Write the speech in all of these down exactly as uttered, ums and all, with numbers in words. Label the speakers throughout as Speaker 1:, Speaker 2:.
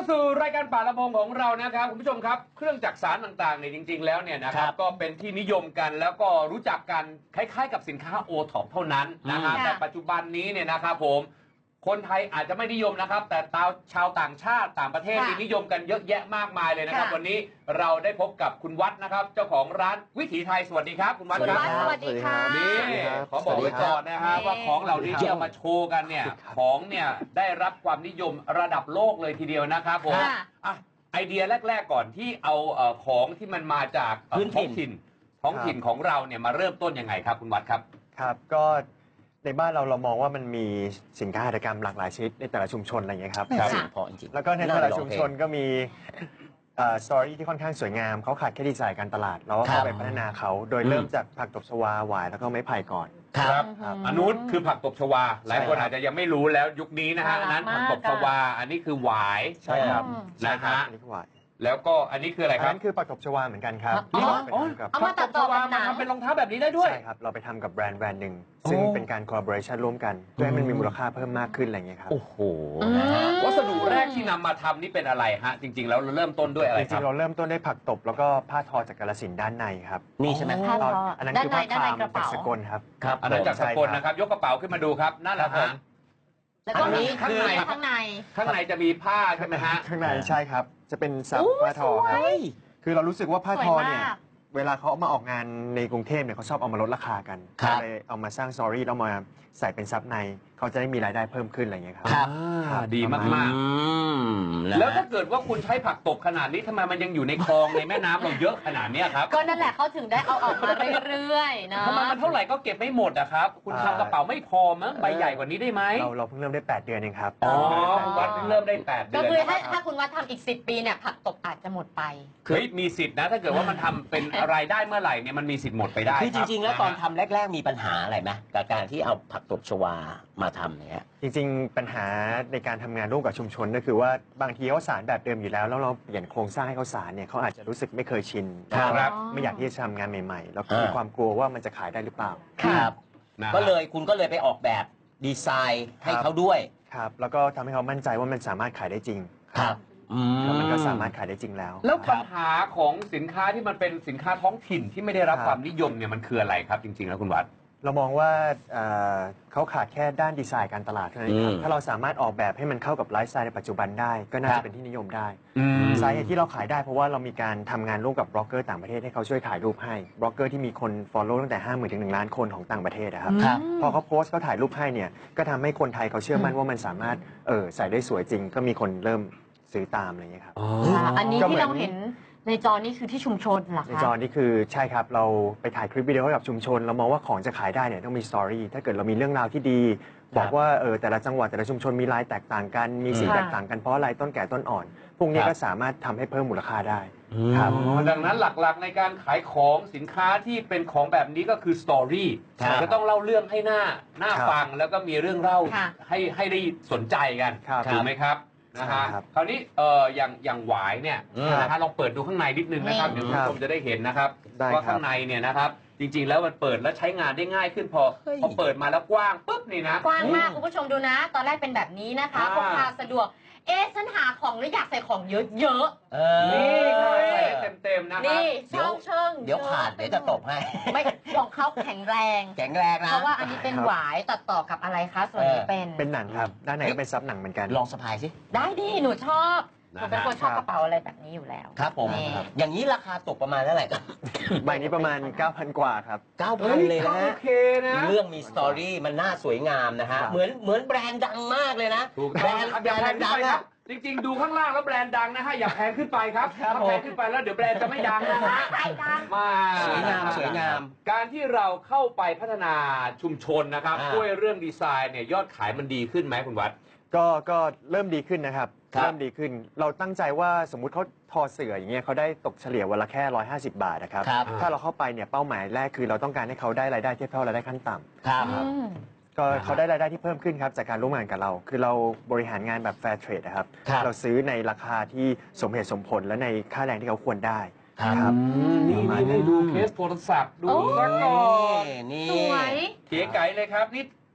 Speaker 1: สู่รายการป่าละพงของเรานะครับคุณผู้ชมครับเครื่องจักสารต่างๆเนี่ยจริงๆแล้วเนี่ยนะครับก็เป็นที่นิยมกันแล้วก็รู้จักกันคล้ายๆกับสินค้าโอท็อปเท่านั้นนะฮะแต่ปัจจุบันนี้เนี่ยนะครับผมคนไทยอาจจะไม่นิยมนะครับแต่ชาวต่างชาติต่างประเทศนิยมกันเยอะแยะมากมายเลยนะครับวันนี้เราได้พบกับคุณวัดนะครับเจ้าของร้านวิถีไทยสวัสดีครับคุณวัดครับ
Speaker 2: สวัสดีค่ะ
Speaker 1: นี่ขอบอกไว้ก่อนนะฮะว่าของเหล่านี้ที่เอามาโชว์กันเนี่ยของเนี่ยได้รับความนิยมระดับโลกเลยทีเดียวนะครับผมอ่ะไอเดียแรกๆก่อนที่เอาของที่มันมาจากท้องถิ่นท้องถิ่นของเราเนี่ยมาเริ่มต้นยังไงครับคุณวัดครับ
Speaker 3: ครับก็ในบ้านเราเรามองว่ามันมีสินค้าหัตถกรรมหลากหลายชนิดในแต่ละชุมชนอะไรอย่างเงี้ยครับ
Speaker 2: พอจริง
Speaker 3: แล้วก็ในแต่ละชุมชนก็มีสตอรี่ที่ค่อนข้างสวยงามเขาขาดแค่ดีไซน์การตลาดเราก็เข้าไปพัฒนาเขาโดยเริ่มจากผักตบชวาหวายแล้วก็ไม้ไผ่ก่อน
Speaker 1: ครับอันนู้นคือผักตบชวาหลายคนอาจจะยังไม่รู้แล้วยุคนี้นะฮะอันนั้นผักตบชวาอันนี้คือหวาย
Speaker 3: ใช่ครับ
Speaker 1: นะฮะ
Speaker 3: อันนี้คือหวาย
Speaker 1: แล้วก็อันนี้คืออะไรครับ
Speaker 3: อันนั้นคือผักตบชวาเหมือนกันครับ
Speaker 1: เอามาตัดต่อมาทำเป็นรองเท้าแบบนี้ได้ด้วย
Speaker 3: ใช่ครับเราไปทำกับแบรนด์แบรนด์หนึ่งซึ่งเป็นการคอลลาบอเรชันร่วมกันเพื่อให้มันมีมูลค่าเพิ่มมากขึ้นอะไรอย่างเงี้ยครับ
Speaker 1: โอ้โหวัสดุแรกที่นำมาทำนี่เป็นอะไรฮะจริงๆแล้วเราเริ่มต้นด้วยอะไรครับ
Speaker 3: จริงๆเราเริ่มต้นด้วยผักตบแล้วก็ผ้าทอจากกาฬสินธุ์ด้านในครับ
Speaker 2: นี่ใช่ไหม
Speaker 3: ผ้าทออันนั้นคือผ้าคามจากสกลครับ
Speaker 1: ครับอันนั้นจากสกลนะครับยกกระเป๋าขึ้นมาดูครับนั่นแหละฮะ
Speaker 2: แล้วก็นี้ข้างใน
Speaker 1: ข้างในข้างในจะมีผ้าใช่ไหมฮะ
Speaker 3: ข้างในใช่ครับจะเป็นซับผ้าทอครับคือเรารู้สึกว่าผ้าทอเนี่ยเวลาเขาเอามาออกงานในกรุงเทพเนี่ยเขาชอบเอามาลดราคากันเลยเอามาสร้างสตอรี่แล้วมาใส่เป็นซับในเขาจะได้มีรายได้เพิ่มขึ้นอะไรเงี้ยครับ
Speaker 1: ดีมากๆแล้วถ้าเกิดว่าคุณใช้ผักตบขนาดนี้ทำไมมันยังอยู่ในคลองในแม่น้ำเราเยอะขนาดนี้ครับ
Speaker 2: ก็นั่นแหละเขาถึงได้เอาออกมาเรื่อยๆนะ
Speaker 1: ทำไมมันเท่าไหร่ก็เก็บไม่หมดอะครับคุณทำกระเป๋าไม่พอมั้งใบใหญ่กว่านี้ได้ไหม
Speaker 3: เราเราเพิ่งเริ่มได้แปดเดือนเองครับ
Speaker 1: อ๋อวัดเพิ่งเริ่มได้แปดเดือน
Speaker 2: ก็คือถ้าถ้าคุณวัดทำอีกสิบปีเนี่ยผักตบอาจจะหมดไป
Speaker 1: คือมีสิทธินะถ้าเกิดว่ามันทำเป็นรายได้เมื่อไหร่เนี่ยมันมีสิทธิ์หมดไปได้
Speaker 4: คือจริงๆแล้วตอนทำแรกๆมีปัญหาอะไรไหมกับการที่เอาผักตบชวามาทำเนี่ย
Speaker 3: จริงๆปัญหาในการทำงานร่วมกับชุมชนก็คือว่าบางทีเขาสารแบบเดิมอยู่แล้วแล้วเราเปลี่ยนโครงสร้างให้เขาสารเนี่ยเขาอาจจะรู้สึกไม่เคยชิน
Speaker 1: ครับ
Speaker 3: ไม่อยากที่จะทำงานใหม่ๆแล้วมีความกลัวว่ามันจะขายได้หรือเปล่า
Speaker 4: ครับก็เลยคุณก็เลยไปออกแบบดีไซน์ให้เขาด้วย
Speaker 3: ครับแล้วก็ทำให้เขามั่นใจว่ามันสามารถขายได้จริง
Speaker 4: ครับ
Speaker 3: มันก็สามารถขายได้จริงแล้ว
Speaker 1: แล้วปัญหาของสินค้าที่มันเป็นสินค้าท้องถิ่นที่ไม่ได้รับความนิยมเนี่ยมันคืออะไรครับจริงๆแล้วคุณวัด
Speaker 3: เรามองว่าเขาขาดแค่ด้านดีไซน์การตลาดเท่านั้นครับถ้าเราสามารถออกแบบให้มันเข้ากับไลฟ์สไตล์ในปัจจุบันได้ก็น่าจะเป็นที่นิยมได้สาเหตุที่เราขายได้เพราะว่าเรามีการทำงานร่วมกับบล็อกเกอร์ต่างประเทศให้เขาช่วยถ่ายรูปให้บล็อกเกอร์ที่มีคนฟอลโล่ตั้งแต่ห้าหมื่นถึงหนึ่งล้านคนของต่างประเทศนะครับพอเขาโพสต์เขาถ่ายรูปให้เนี่ยก็ทำให้คนไทยเขาเชื่อมั่นว่ามันสามารถเออใส่ได้สวยจริงก็มีคนเริ่มซื้อตามอะไรอย่างเงี้ยครับ
Speaker 2: อันนี้ที่เราเห็นในจอนี่คือที่ชุมชนเหรอคะ
Speaker 3: ในจอนี่คือใช่ครับเราไปถ่ายคลิปวิดีโอให้กับชุมชนเรามองว่าของจะขายได้เนี่ยต้องมีสตอรี่ถ้าเกิดเรามีเรื่องราวที่ดีบอกว่าเออแต่ละจังหวัดแต่ละชุมชนมีลายแตกต่างกันมีสีแตกต่างกันเพราะอะไรต้นแก่ต้นอ่อนพวกนี้ก็สามารถทำให้เพิ่มมูลค่าได้
Speaker 1: ครับดังนั้นหลักๆในการขายของสินค้าที่เป็นของแบบนี้ก็คือสตอรี่จะต้องเล่าเรื่องให้หน้าหน้าฟังแล้วก็มีเรื่องเล่าให้ให้ได้สนใจกันถูกไหมครับนะฮะคราวนี้เอ่ออย่างอย่างหวายเนี่ยนะฮะลองเปิดดูข้างในนิดนึงนะครับเดี๋ยวคุณผู้ชมจะได้เห็นนะครับว่าข้างในเนี่ยนะครับจริงๆแล้วมันเปิดแล้วใช้งานได้ง่ายขึ้นพอพอเปิดมาแล้วกว้างปุ๊บนี่นะ
Speaker 2: กว้างมากคุณผู้ชมดูนะตอนแรกเป็นแบบนี้นะคะพกพาสะดวกเอ๊ะฉันหาของแล้วอยากใส่ของเยอะ
Speaker 1: ๆนี่ค่ะใส่เต็มๆนะครับ
Speaker 2: นี่ช่องเชิง
Speaker 4: เดี๋ยวขาดเดี๋ยวจะตกให้
Speaker 2: ไม่ของเขาแข็งแรง
Speaker 4: แข็งแรงนะ
Speaker 2: เพราะว่าอันนี้เป็นหวายตัดต่อกับอะไรคะส่วนนี้เป็น
Speaker 3: เป็นหนังครับด้านในก็เป็นซับหนังเหมือนกัน
Speaker 4: ลองสะพายสิ
Speaker 2: ได้ดิหนูชอบผมเป็นคนชอบกระเป๋าอะไรแบบนี้อยู่แล้ว
Speaker 4: ครับผมอย่างนี้ราคาตกประมาณเท่าไหร่ครับ
Speaker 3: ใบนี้ประมาณ เก้าพัน กว่าครับ
Speaker 4: เก้าพัน เลยนะ
Speaker 1: โอเคนะ
Speaker 4: เรื่องมีสตอรี่มันน่าสวยงามนะฮะเหมือนเหมือนแบรนด์ดังมากเลยนะ
Speaker 1: แบรนด์แบรนด์ดังครับจริงๆดูข้างล่างแล้วแบรนด์ดังนะฮะอย่าแพงขึ้นไปครับถ้าแพงขึ้นไปแล้วเดี๋ยวแบรนด์จะไม่ดังนะฮะ
Speaker 2: มา
Speaker 4: สวยงามสวยงาม
Speaker 1: การที่เราเข้าไปพัฒนาชุมชนนะครับด้วยเรื่องดีไซน์เนี่ยยอดขายมันดีขึ้นไหมคุณวัด
Speaker 3: ก็ก็เริ่มดีขึ้นนะครับเริ่มดีขึ้นเราตั้งใจว่าสมมุติเขาทอเสื่ออย่างเงี้ยเขาได้ตกเฉลี่ยวันละแค่หนึ่งร้อยห้าสิบบาทนะครับถ้าเราเข้าไปเนี่ยเป้าหมายแรกคือเราต้องการให้เขาได้รายได้เทียบเท่ารายได้ขั้นต่ำ
Speaker 4: ครับ
Speaker 3: ก็เขาได้รายได้ที่เพิ่มขึ้นครับจากการร่วมงานกับเราคือเราบริหารงานแบบแฟร์เทรดนะครับเราซื้อในราคาที่สมเหตุสมผลและในค่าแรงที่เขาควรได้
Speaker 1: ครับนี่นี่ดูเคสโทรศัพท์ดูซะก่อน
Speaker 4: นี่
Speaker 2: สวย
Speaker 1: เก๋ไก๋เลยครับนี่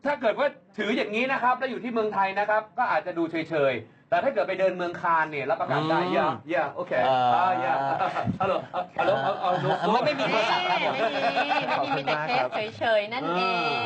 Speaker 1: ถ้าเกิดว่าถืออย่างนี้นะครับแล้วอยู่ที่เมืองไทยนะครับก็อาจจะดูเฉยๆแต่ถ้าเกิดไปเดินเมืองคานเนี่ยรับประกันได้ย่าย่าโอเคอ่าย่าฮัลโหลฮัลโหลเอาเอาเอา
Speaker 4: ไม่ไม่มีโทรศัพท์ครับ
Speaker 2: ไม่มีไม่มีมีแต่เคสเฉยๆนั่นเอง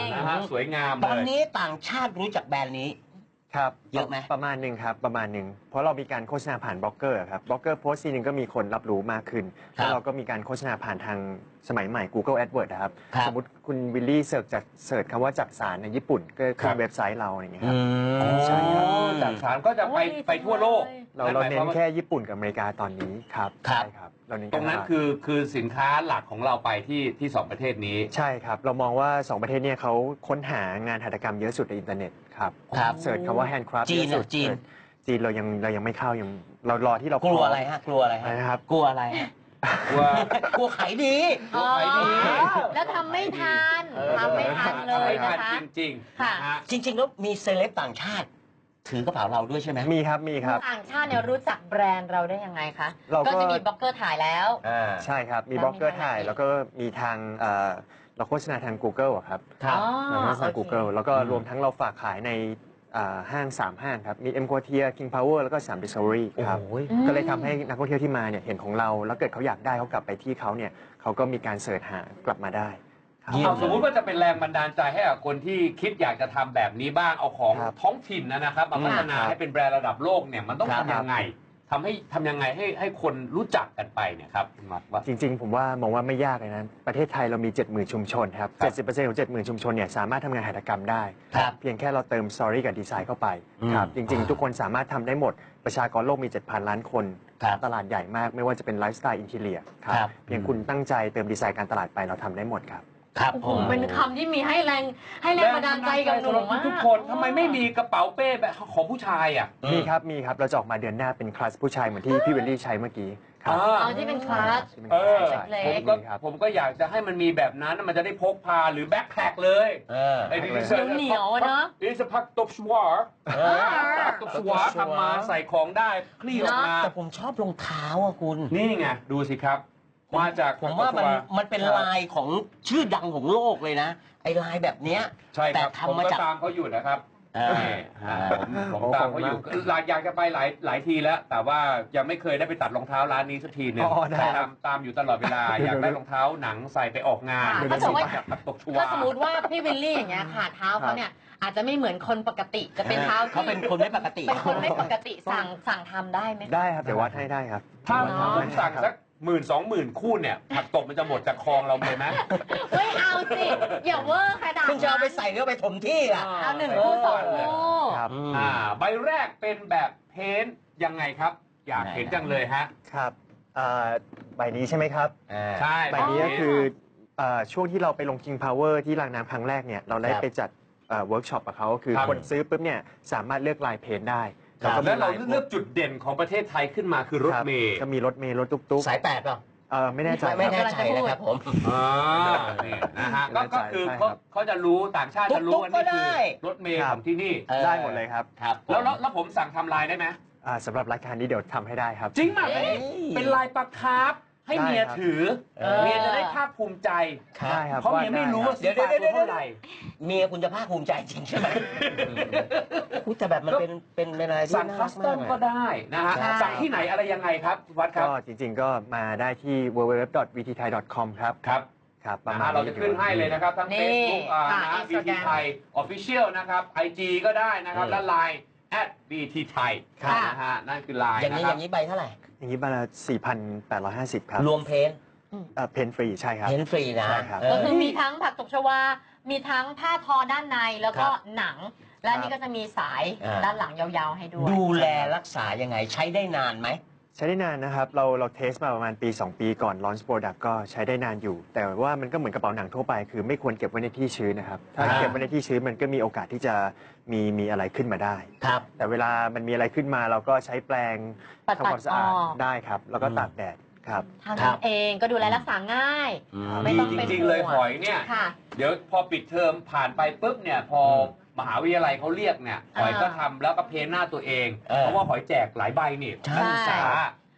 Speaker 1: นะฮะสวยงามเลย
Speaker 4: ตอนนี้ต่างชาติรู้จักแบรนด์นี้
Speaker 3: ครับ
Speaker 4: เยอะไหม
Speaker 3: ประมาณหนึ่งครับประมาณหนึ่งเพราะเรามีการโฆษณาผ่านบล็อกเกอร์ครับบล็อกเกอร์โพสต์ทีนึงก็มีคนรับรู้มากขึ้น
Speaker 4: ครับ
Speaker 3: แล้วเราก็มีการโฆษณาผ่านทางสมัยใหม่ Google AdWords นะครับ
Speaker 4: ครับ
Speaker 3: สมมติคุณวิลลี่เสิร์ชจากเสิร์ชคำว่าจักสารในญี่ปุ่นก็
Speaker 1: ครั
Speaker 3: ขึ้
Speaker 1: บ
Speaker 3: นเว็บไซต์เราอย่างเงี้ยครับ
Speaker 4: อืม
Speaker 3: ใช่ครับ
Speaker 1: จากสารก็จะไป
Speaker 2: โอ้ย
Speaker 1: ไปทั่วโลก
Speaker 3: เราเรา
Speaker 1: หมย
Speaker 3: เน้
Speaker 1: ความ
Speaker 3: น
Speaker 1: ว่า
Speaker 3: แค่ญี่ปุ่นกับอเมริกาตอนนี้ครับ
Speaker 4: ครับ
Speaker 3: ใช่ครับเราเน้น
Speaker 1: ตรงนั้น
Speaker 3: กาตลาด
Speaker 1: คือคือสินค้าหลักของเราไปที่ที่สองประเทศนี้
Speaker 3: ใช่ครับ เรามองว่า สอง ประเทศเนี่ยเขาค้นหางานหัตถกรรมเยอะสุดในอินเทอร์เน็ตครับ
Speaker 4: ครับ
Speaker 3: เสิร์ชคำว่า handcraft
Speaker 4: จีน
Speaker 3: เยอะสุด
Speaker 4: อะจีน
Speaker 3: เสิร์ชจีนเรายังเรายังไม่เข้ายังเรารอที่เรา
Speaker 4: กลัวอะไรฮะกลัวอะไร
Speaker 3: อะไร
Speaker 4: ฮะ
Speaker 3: นะครับ
Speaker 4: กลัวอะไรฮะ
Speaker 1: ว่า
Speaker 4: กลัวขายดี
Speaker 2: อ๋อ
Speaker 1: ขายดี
Speaker 2: แล้วทำไม่ทันทำไม่ทันเลย
Speaker 1: ไม่
Speaker 2: นะ
Speaker 1: ทัน
Speaker 2: คะ
Speaker 1: จริงๆ
Speaker 2: ค่ะ
Speaker 1: นะฮะ
Speaker 4: จริง ๆ แล้วมีเซเลบต่างชาติ ถือกระเป๋าเราด้วยใช่ไหม
Speaker 3: มีครับมีครับ
Speaker 2: ต่างชาติเนี่ยรู้จักแบรนด์เราได้ยังไงคะ
Speaker 3: เราก็
Speaker 2: ก็จะมีบล็อกเกอร์ถ่ายแล้ว
Speaker 4: อ่า
Speaker 3: ใช่ครับ มี
Speaker 2: แล้ว
Speaker 3: บล็อกเกอร์
Speaker 2: มีทาง
Speaker 3: ถ่าย
Speaker 2: ไหน
Speaker 3: แล้วก็มีทางเอ่อเราโฆษณาทาง Google อะครับ
Speaker 4: ครับ
Speaker 2: อ๋อ
Speaker 3: เราโฆษณา
Speaker 2: โอเค
Speaker 3: Google แล้วก็
Speaker 4: อืม
Speaker 3: รวมทั้งเราฝากขายในอ่าห้างสามห้างครับ มี M Quartier King Power แล้วก็สาม Discovery ครับ
Speaker 4: โอ้ย
Speaker 2: อืม
Speaker 3: ก็เลยทำให้นักท่องเที่ยวที่มาเนี่ยเห็นของเรา แล้วเกิดเขาอยากได้เขากลับไปที่เขาเนี่ยเขาก็มีการเสิร์ชหากลับมาได้ครับ
Speaker 4: เยี่ย
Speaker 1: เอาสมมุติว่าจะเป็นแรงบันดาลใจให้กับคนที่คิดอยากจะทำแบบนี้บ้างเอาของ
Speaker 3: ครับ
Speaker 1: ท้องถิ่นนะนะครับมาพัฒนา
Speaker 3: ครับ
Speaker 1: ให้เป็นแบรนด์ระดับโลกเนี่ยมันต้อง
Speaker 4: ครับ
Speaker 1: ทำยังไงทำให้ทำยังไงให้ให้คนรู้จักกันไปเนี่ยครับคุณมัดว่า
Speaker 3: จริงๆ ผมว่ามองว่าไม่ยากเลยนะ ประเทศไทยเรามี เจ็ดหมื่น ชุมชนครับ
Speaker 1: ครับ
Speaker 3: เจ็ดสิบเปอร์เซ็นต์ ของ เจ็ดหมื่น ชุมชนเนี่ยสามารถทำงานหัตถกรรมได้
Speaker 4: ครับ
Speaker 3: เพียงแค่เราเติมสตอรี่กับดีไซน์เข้าไป
Speaker 4: อืม
Speaker 3: ครับจริงๆ ทุกคนสามารถทำได้หมดประชากรโลกมี เจ็ดพัน ล้านคน
Speaker 4: ครับ
Speaker 3: ตลาดใหญ่มากไม่ว่าจะเป็นไลฟ์สไตล์อินทีเลียครั
Speaker 4: ครับ
Speaker 3: เพียงคุณตั้งใจเติมดีไซน์การตลาดไปเราทำได้หมดครับ
Speaker 4: ครับ
Speaker 2: โอ้
Speaker 4: ผ
Speaker 2: โห
Speaker 4: ม
Speaker 2: เป็นคำที่มีให้แรงให้แรงบันดาลใจกับหนูมาก
Speaker 1: ทุกคนทำไมไม่มีกระเป๋าเป้แบบของผู้ชายอ่ะ
Speaker 4: อืม
Speaker 3: มีครับมีครับเราจะออกมาเดือนหน้าเป็นคลาสผู้ชายเหมือนที่พี่เวลลี่ใช้เมื่อกี้ครับ
Speaker 1: อ่า
Speaker 2: เอาที่เป็นคลาส
Speaker 3: ที่เป็น
Speaker 1: เออ
Speaker 3: คลาส
Speaker 2: เล็
Speaker 1: ผ
Speaker 2: ก
Speaker 1: มก็
Speaker 3: ครับ
Speaker 1: ผมก็อยากจะให้มันมีแบบนั้นมันจะได้พกพาหรือแบ็คแพคเลย
Speaker 4: เออ
Speaker 1: ไอ้ที่
Speaker 2: เหนียวๆอะเนอะ
Speaker 1: นี่จะพักตบชวาร์
Speaker 4: เออ
Speaker 1: พักตบชวาร์ทำมาใส่ของได้คลี่ออกมา
Speaker 4: แต่ผมชอบรองเท้าอะคุณ
Speaker 1: นี่ไง ดูสิครับ มาจาก
Speaker 4: ผมว่ามัน
Speaker 1: พักตบชว
Speaker 4: มันเป็นลายของชื่อดังของโลกเลยนะ ไอ้ลายแบบเนี้ย
Speaker 1: ใช่ครับ
Speaker 4: แต่
Speaker 1: ผม
Speaker 4: ทำมา
Speaker 1: ก็
Speaker 4: จาก
Speaker 1: ตามเขาอยู่นะครับ
Speaker 4: เออ
Speaker 1: นี่ฮะผมผมตามเขาอยู่หลายอยากจะไปหลายหลายทีแล้ว แต่ว่ายังไม่เคยได้ไปตัดรองเท้าร้านนี้สักทีหนึง
Speaker 3: อ๋อได้ครั
Speaker 1: ตา
Speaker 3: บ
Speaker 1: มตามอยู่ตลอดเวลา อยากได้รองเท้าหนังใส่ไปออกงาน
Speaker 2: ค่ะถ้าสมมุติ
Speaker 1: จากพักตบชวา
Speaker 2: ถ้าสมมติว่าพี่วิลลี่อย่างเงี้ยค่ะเท้าเขาเนี่ยอาจจะไม่เหมือนคนปกติ จะเป็นเท้าที่
Speaker 4: เขาเป็นคนไม่ปกติ
Speaker 2: เป็นคนไม่ปกติสั่งสั่งทำได้ไหมคะ
Speaker 3: ได้ครับเดี๋ยววัดให้ได้ครับ
Speaker 1: ถ้า
Speaker 2: อ๋อ
Speaker 1: ผมสั่งสักหมื่นสองหมื่นคู่เนี่ยผักตบมันจะหมดจากคลองเราเลยไหม
Speaker 2: ไม่เอาสิ อย่าเวอร์ขนาด
Speaker 4: คุณจะเอาไปใส่หรือเอาไปถมที่ล่ะ
Speaker 2: เอาหนึ่งคู่สองคู่
Speaker 3: ครับ
Speaker 4: อืม
Speaker 1: อ่าใบแรกเป็นแบบเพ้นท์ยังไงครับ อยากเห็นจังเลยฮะ
Speaker 3: ครับอ่าใบนี้ใช่ไหมครับ
Speaker 1: ใช่
Speaker 3: ใบนี้ก็คือเอ่อช่วงที่เราไปลง King Power ที่รางน้ำครั้งแรกเนี่ยเราได้
Speaker 4: ครับ
Speaker 3: ไปจัดเวิร์กช็อปกับเขาคือ
Speaker 1: ครับ
Speaker 3: คนซื้อปุ๊บเนี่ยสามารถเลือกลายเพนท์ได้
Speaker 4: ครับ
Speaker 3: ก็มี
Speaker 1: แล้วเรา
Speaker 3: ลย
Speaker 1: เลือกจุดเด่นของประเทศไทยขึ้นมาคือรถ
Speaker 3: คบ
Speaker 1: เมล์
Speaker 3: ก็มีรถเมล์รถตุ๊ก
Speaker 4: สายแปดเปล่า
Speaker 3: ๆเออไม่แน่ใจ
Speaker 4: ไม่
Speaker 3: ค
Speaker 4: แน่
Speaker 3: รับ
Speaker 4: ใจนะครับผม
Speaker 1: อ่านี่นะฮะก็
Speaker 3: ไม่แน่ใจ
Speaker 1: ก็คือ
Speaker 3: ใช่
Speaker 1: เขา
Speaker 3: ครับ
Speaker 1: เขาจะรู้ต่างชาติจะรู้ว่า
Speaker 4: ตุ๊
Speaker 1: นี่
Speaker 4: กๆก็
Speaker 1: คือ
Speaker 4: ได้
Speaker 1: รถเมล์
Speaker 3: ครั
Speaker 1: ข
Speaker 3: บ
Speaker 1: องที่นี่
Speaker 4: เออ
Speaker 3: ได้หมดเลยครับ
Speaker 4: ครับ
Speaker 1: แล้วแล้วแล้วผมสั่งทำลายได้ไหม
Speaker 3: อ่าสำหรับรายการนี้เดี๋ยวทำให้ได้ครับ
Speaker 1: จริงไหม
Speaker 2: เอ้ย
Speaker 1: เป็นลายปลาคาร์ฟให้
Speaker 3: ได้
Speaker 1: เมีย
Speaker 3: ครับ
Speaker 1: ถือ
Speaker 4: เออ
Speaker 1: เมียจะได้ภาคภูมิใจ
Speaker 3: ได้ครับ
Speaker 1: เพราะเมียไม่รู้ว่า
Speaker 3: ได้
Speaker 1: ซื้อปลาตัวเท่าไหร่
Speaker 4: เมียคุณจะภาคภูมิใจจริงใช่ไหมอุ๊ยแต่แบบมันเป็นเป็นเป็นอะไรที่
Speaker 1: สั่ง
Speaker 4: น่า
Speaker 1: คั
Speaker 4: รัก
Speaker 1: สตอ
Speaker 4: มาม ก
Speaker 1: ก็
Speaker 4: อะ
Speaker 1: ได้นะฮะ
Speaker 2: ใช่
Speaker 1: สั่งที่ไหนอะไรยังไงครับวัดค
Speaker 3: ก็
Speaker 1: รับ
Speaker 3: จริงๆก็มาได้ที่ ดับเบิลยู ดับเบิลยู ดับเบิลยู ดอท วี ที ไทย ดอท คอม ครับ
Speaker 1: ครับ
Speaker 3: ครับประ
Speaker 1: นะ
Speaker 3: มา
Speaker 1: ฮะ
Speaker 3: ณ
Speaker 1: เราจะขึ้นให้เลยนะครับ ทั้ง
Speaker 2: นี่
Speaker 1: Facebook อ่า
Speaker 2: ค่ะ
Speaker 1: นะ บี ที
Speaker 2: Instagram
Speaker 1: ไทย Official นะครับ ไอ จี ก็ได้นะครับ
Speaker 4: อืม
Speaker 1: และ ไลน์ แอท บี ที ไทย
Speaker 2: ค่ะ
Speaker 1: นะฮะนั่นคือไลน์
Speaker 4: อย่าง
Speaker 1: นะ
Speaker 4: นี้
Speaker 1: ค
Speaker 4: อ
Speaker 1: รับ
Speaker 4: ย่างนี้ใบเท่าไหร่
Speaker 3: อย่างนี้บาละสี่พันแปดร้อยห้าสิบครับ
Speaker 4: รวมเพนท์
Speaker 3: เอ่อเพนฟรีใช่ครับ
Speaker 4: เพนท์ฟรีนะ
Speaker 3: ใช่ครับ
Speaker 4: เอ
Speaker 2: ก็
Speaker 4: อ
Speaker 2: คือมีทั้งผักตบชวา มีทั้งผ้าทอด้านในแล้วก็
Speaker 4: ครับ
Speaker 2: หนัง และนี่ก็จะมีสาย
Speaker 4: อ่า
Speaker 2: ด้านหลังยาวๆให้ด้วย
Speaker 4: ดูแลรักษายังไงใช้ได้นานไหม
Speaker 3: ใช้ได้นานนะครับ เราเราเทสมาประมาณปี สอง ปีก่อนลอนช์โปรดักต์ก็ใช้ได้นานอยู่ แต่ว่ามันก็เหมือนกระเป๋าหนังทั่วไป คือไม่ควรเก็บไว้ในที่ชื้นนะครับ ถ้า
Speaker 4: อ่า
Speaker 3: เก็บไว้ในที่ชื้นมันก็มีโอกาสที่จะมีมีอะไรขึ้นมาได้
Speaker 4: ครับ
Speaker 3: แต่เวลามันมีอะไรขึ้นมาเราก็ใช้แปรง
Speaker 2: ปัด
Speaker 3: ทำความสะอาด
Speaker 2: ออก
Speaker 3: ได้ครับ แล้วก็
Speaker 4: อืม
Speaker 3: ตากแดดครับ
Speaker 2: ทาง
Speaker 4: ครั
Speaker 2: นั้
Speaker 4: บ
Speaker 2: นเองก็ดูแลรักษาง่าย ไม่
Speaker 1: ดี
Speaker 2: ต้อง
Speaker 1: จ
Speaker 2: เป็น
Speaker 1: ริง ๆ เลย
Speaker 2: ห่วง
Speaker 1: หอยเนี่ย
Speaker 2: ค่ะ
Speaker 1: เดี๋ยวพอปิดเทอมผ่านไปปุ๊บเนี่ย พอมหาวิทยาลัยเขาเรียกเนี่ย หอยก็ทำแล้วก็เพ้นหน้าตัวเอง
Speaker 4: เออ
Speaker 1: เพราะว่าหอยแจกหลายใบนี่
Speaker 4: ใช่
Speaker 1: นักศึกษา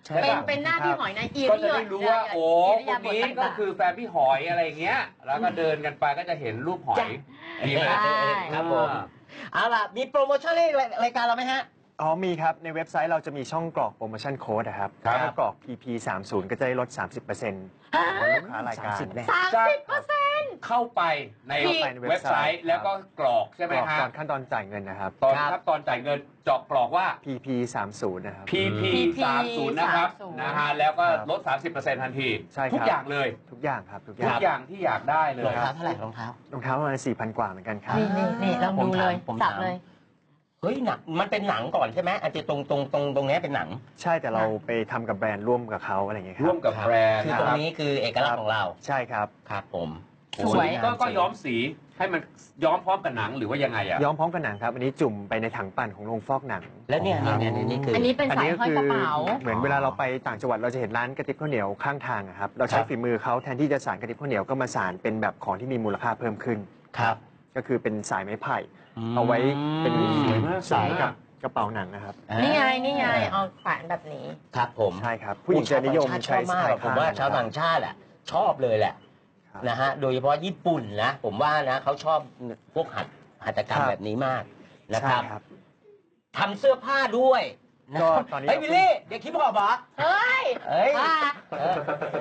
Speaker 4: ใช่
Speaker 2: เป็น
Speaker 4: ป่ะ
Speaker 2: เป็นหน้าพี่หอยในอิ
Speaker 1: ก็
Speaker 2: ริ
Speaker 1: จะ
Speaker 2: ยา
Speaker 1: ได้รู้ว่าโอ้
Speaker 2: ริ
Speaker 1: ค
Speaker 2: ยาน บถ
Speaker 1: นี้ก็
Speaker 2: ต่างๆ
Speaker 1: คือแฟนพี่หอยอะไรอย่างเงี้ย แล้วก็เดินกันไปก็จะเห็นรูปหอยดีไหม
Speaker 2: ใช่
Speaker 4: ครับผมเอาล่ะมีโปรโมชั่นในรายการเราไหมฮะ
Speaker 3: อ๋อมีครับ ในเว็บไซต์เราจะมีช่องกรอกโปรโมชั่นโค้ดนะครับ
Speaker 1: ครับ
Speaker 3: ถ้ากรอก พี พี สามสิบ ก็จะได้ลด สามสิบเปอร์เซ็นต์ ของลูกค้ารายการ
Speaker 4: สามสิบแน่
Speaker 2: สามสิบเปอร์เซ็นต์
Speaker 1: เข้าไปใน
Speaker 2: เข้าไป
Speaker 3: ใน
Speaker 1: เว็บไซต์แล้วก็กรอกใช่ไหม
Speaker 3: กรอก
Speaker 1: ฮะ
Speaker 3: ก่อนขั้นตอนจ่ายเงินนะครับ
Speaker 1: ตอน
Speaker 4: ครับ
Speaker 1: ขั้นตอนจ่ายเงินเจาะกรอกว่า
Speaker 3: พี พี สามสิบ นะครับ
Speaker 1: พี พี
Speaker 2: พี
Speaker 1: สามสิบ นะครับ
Speaker 2: สามสิบ
Speaker 1: นะฮะแล้วก็
Speaker 3: ครับ
Speaker 1: ลด สามสิบเปอร์เซ็นต์ ทันที
Speaker 3: ใช่ครับ
Speaker 1: ทุกอย่างเลย
Speaker 3: ทุกอย่างครับ ทุกอ
Speaker 1: ทุ
Speaker 3: ย่าก ง
Speaker 1: อย่างที่อยากได้เลย
Speaker 4: รองเท้าเท่าไหร่รองเท้าร
Speaker 3: องเท้าประมาณสี่พันกว่าเหมือนกันครับ
Speaker 2: นี่นี่นี่ลองดูเลย
Speaker 4: ผม
Speaker 2: สั
Speaker 4: ถา
Speaker 2: บ
Speaker 4: ม
Speaker 2: เลย
Speaker 4: เฮ้ยหนังมันเป็นหนังก่อนใช่ไหมอันที่ตรงตรงตรงตรงนี้เป็นหนัง
Speaker 3: ใช่แต่เราไปทำกับแบรนด์ร่วมกับเขาอะไรอย่างเงี้ยค
Speaker 1: ร่ว
Speaker 3: รั
Speaker 1: ม
Speaker 3: บ
Speaker 1: กับแบรนด์
Speaker 4: คือ
Speaker 1: นะ
Speaker 4: ตร
Speaker 1: ค
Speaker 4: ง
Speaker 1: รับ
Speaker 4: นี้คือเอกลักษณ์ของเรา
Speaker 3: ใช่ครับ
Speaker 4: ครับผม
Speaker 2: สวย
Speaker 1: ก็ก็
Speaker 4: งามจริง
Speaker 1: ย้อมสีให้มันย้อมพร้อมกับหนังหรือว่ายังไงอะ
Speaker 3: ย้อมพร้อมกับหนังครับ อันนี้จุ่มไปในถังปั่นของโรงฟอกหนัง
Speaker 4: แล้วเนี่ยเนี่ยเนี่ยเนี่ยนี่คือ
Speaker 2: อั
Speaker 4: อั
Speaker 2: นนี้เป็นสายห้อยกระเป๋า
Speaker 3: เหมือนเวลาเราไปต่างจังหวัดเราจะเห็นร้านกระติบข้าวเหนียวข้างทางอะครับ เราใช้
Speaker 4: ครับ
Speaker 3: ฝีมือเขาแทนที่จะสานกระติบข้าวเหนียวก็มาสานเป็นแบบของที่มีมูลค่าเพิ่มขึ้น
Speaker 4: ครับ
Speaker 3: ก็คือเป็นสายไม้ไผ่ เอาไว้เป็น
Speaker 1: สวยมาก
Speaker 3: สายกับกระเป๋าหนังนะครับ
Speaker 2: นี่ไงนี่ไงเอาแขวนแบบนี้
Speaker 4: ครับผม
Speaker 3: ใช่ครับ ผู้หญิงจะนิยม
Speaker 4: ชาวต่างชาติชอบมาก
Speaker 3: ใช้สาย
Speaker 4: อะผมว่าชาวต่างชาติอ่ะชอบเลยแหละ
Speaker 3: ครับ
Speaker 4: นะฮะโดยเฉพาะญี่ปุ่นนะผมว่านะเขาชอบพวกหัตหัตถกรรม
Speaker 3: ครับ
Speaker 4: แบบนี้มากนะ
Speaker 3: ใช่
Speaker 4: ครับ
Speaker 3: ครับ
Speaker 4: ทำเสื้อผ้าด้วยนะ
Speaker 3: ก็ตอนนี้
Speaker 4: เฮ้ยบิลลี่เด็กคิดบอกเหรอ
Speaker 2: เฮ้ย
Speaker 4: เฮ้ย
Speaker 2: ว่า
Speaker 4: เออ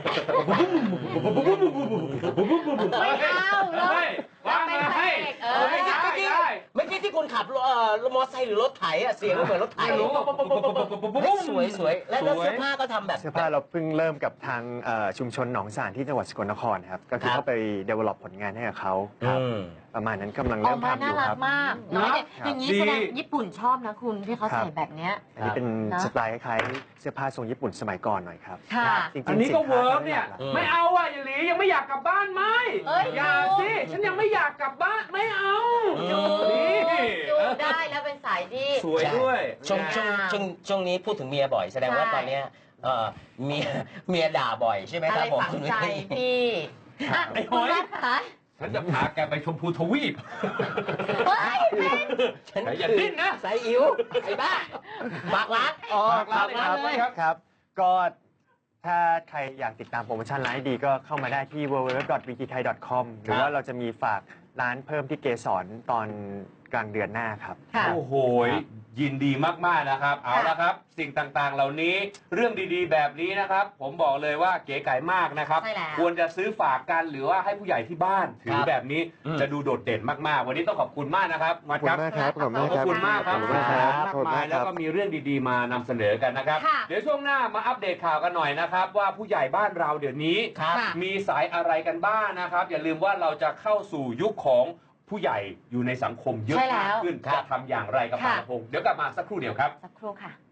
Speaker 2: ไม่เอาเลย
Speaker 1: ว่ามาให้
Speaker 2: เอ
Speaker 1: เอ
Speaker 2: อ
Speaker 1: อ
Speaker 4: เมื่อกี้
Speaker 1: ได้
Speaker 4: เมื่อกี้
Speaker 1: ได้
Speaker 4: เมื่อกี้ที่คุณขับเอ่อมอเตอร์ไซค์หรือรถไถอะเสียงมันเหมือนรถไถ
Speaker 1: ไม่รู้
Speaker 4: เฮ้ยสวยสวยแล้วแล้วเสื้อผ้าก็ทำแบบ
Speaker 3: เสื้อผ้าเราเพิ่งเริ่มกับทางเอ่อชุมชนหนองสานที่จังหวัดสกลนครครับ ก็คือ
Speaker 4: ครับ
Speaker 3: เข้าไป develop ผลงานให้กับเขาครับ
Speaker 4: อืม
Speaker 3: ประมาณนั้นกำลัง
Speaker 2: ออ
Speaker 3: เริ่
Speaker 2: ก
Speaker 3: ม
Speaker 2: มา
Speaker 3: ทำอ
Speaker 2: น่า
Speaker 3: ยู่
Speaker 2: รั
Speaker 3: ค
Speaker 2: ก
Speaker 3: รับ
Speaker 2: มากน้อยเนี่ยอย่างนี้
Speaker 1: ดี
Speaker 2: แสดงญี่ปุ่นชอบนะคุณที่เขา
Speaker 3: ครับ
Speaker 2: ใส่แบบเนี้ย
Speaker 3: อันนี้เป็น
Speaker 2: นะ
Speaker 3: สไตล์คล้ายๆเสื้อผ้าทรงญี่ปุ่นสมัยก่อนหน่อยครับ
Speaker 2: ค่ะ
Speaker 3: จริงๆ
Speaker 1: อันนี้ก็
Speaker 3: สิค้า
Speaker 1: เวิร์กเนี่ย
Speaker 3: ขา
Speaker 4: อืม
Speaker 1: ไม่เอาอ่ะอย่าหลียังไม่อยากกลับบ้านไหม
Speaker 2: เอ้ย
Speaker 1: อย่าสิฉันยังไม่อยากกลับบ้านไม่เอา
Speaker 2: ดู
Speaker 1: นี่
Speaker 2: ดูได้แล้วเป็นสายที่
Speaker 1: สวยด้วย
Speaker 4: ช่วงช่วงช่วงช่วงนี้พูดถึงเมียบ่อยแสดงว่า
Speaker 2: ใช่
Speaker 4: ตอนเนี้ยเอ่อเมียเมียด่าบ่อยใช่ไหม
Speaker 2: อะ
Speaker 4: ค
Speaker 2: ไร
Speaker 4: รับผม
Speaker 2: ฝัง
Speaker 4: คุณ
Speaker 2: ใจ
Speaker 4: วิลลี่
Speaker 2: พี่อ่ะ
Speaker 1: ไอ้ห
Speaker 2: คุ
Speaker 1: อ
Speaker 2: ณ
Speaker 1: ย
Speaker 2: รัฐคะ
Speaker 1: ฉันจะพาแกไปชมพูทวีป
Speaker 2: เฮ้ยเป็น
Speaker 4: ฉัน
Speaker 1: อย่าดิ้นนะ
Speaker 4: ใส่อิ๋วไอ้บ้าฝากร้าน
Speaker 3: อ๋อ
Speaker 1: ฝากร้าน
Speaker 3: ครับ
Speaker 1: เลยครับ
Speaker 3: ครับ ก็ถ้าใครอยากติดตามโปรโมชั่นร้านให้ดีก็เข้ามาได้ที่ ดับเบิลยู ดับเบิลยู ดับเบิลยู ดอท วี จี ไทย ดอท คอม หรือว่าเราจะมีฝากร้านเพิ่มที่เกสรตอนกลางเดือนหน้าครับ
Speaker 2: ค่ะ
Speaker 1: โอ้โหยินดีมากๆนะครับ เอาละครับ สิ่งต่างๆ เหล่านี้เรื่องดีๆ แบบนี้นะครับ ผมบอกเลยว่าเก๋ไก่มากนะครับ
Speaker 2: ใช่แล้ว
Speaker 1: ควรจะซื้อฝากกันหรือว่าให้ผู้ใหญ่ที่บ้านถือแบบนี้
Speaker 4: อืม
Speaker 1: จะดูโดดเด่นมากๆ วันนี้ต้องขอบคุณมากนะครับ
Speaker 3: ขอบคุณมากครับ ขอบคุณ
Speaker 1: ข
Speaker 3: มาก
Speaker 1: อบ
Speaker 3: ครับ
Speaker 1: คุณมากครับ
Speaker 3: ขอบคุณครับ
Speaker 1: มาก
Speaker 3: ขอบคุณาย ก
Speaker 1: มามแล้ว
Speaker 3: ครับ
Speaker 1: ก็มีเรื่องดีๆ มานำเสนอกันนะครับ
Speaker 2: ค่ะ
Speaker 1: เดี๋ยวช่วงหน้ามาอัปเดตข่าวกันหน่อยนะครับ ว่าผู้ใหญ่บ้านเราเดี๋ยวนี้
Speaker 4: ครับ
Speaker 2: ค่ะ
Speaker 1: มีสายอะไรกันบ้างนะครับ อย่าลืมว่าเราจะเข้าสู่ยุคของผู้ใหญ่อยู่ในสังคมเยอะ
Speaker 2: ใช่แล้
Speaker 1: มาก
Speaker 2: ว
Speaker 1: ขึ้น
Speaker 4: ครับ
Speaker 1: จะทำอย่างไรกับ
Speaker 2: ค่ะ
Speaker 1: ปาพงศ์เดี๋ยวกลับมาสักครู่เดียวครับ
Speaker 2: สักครู่ค่ะ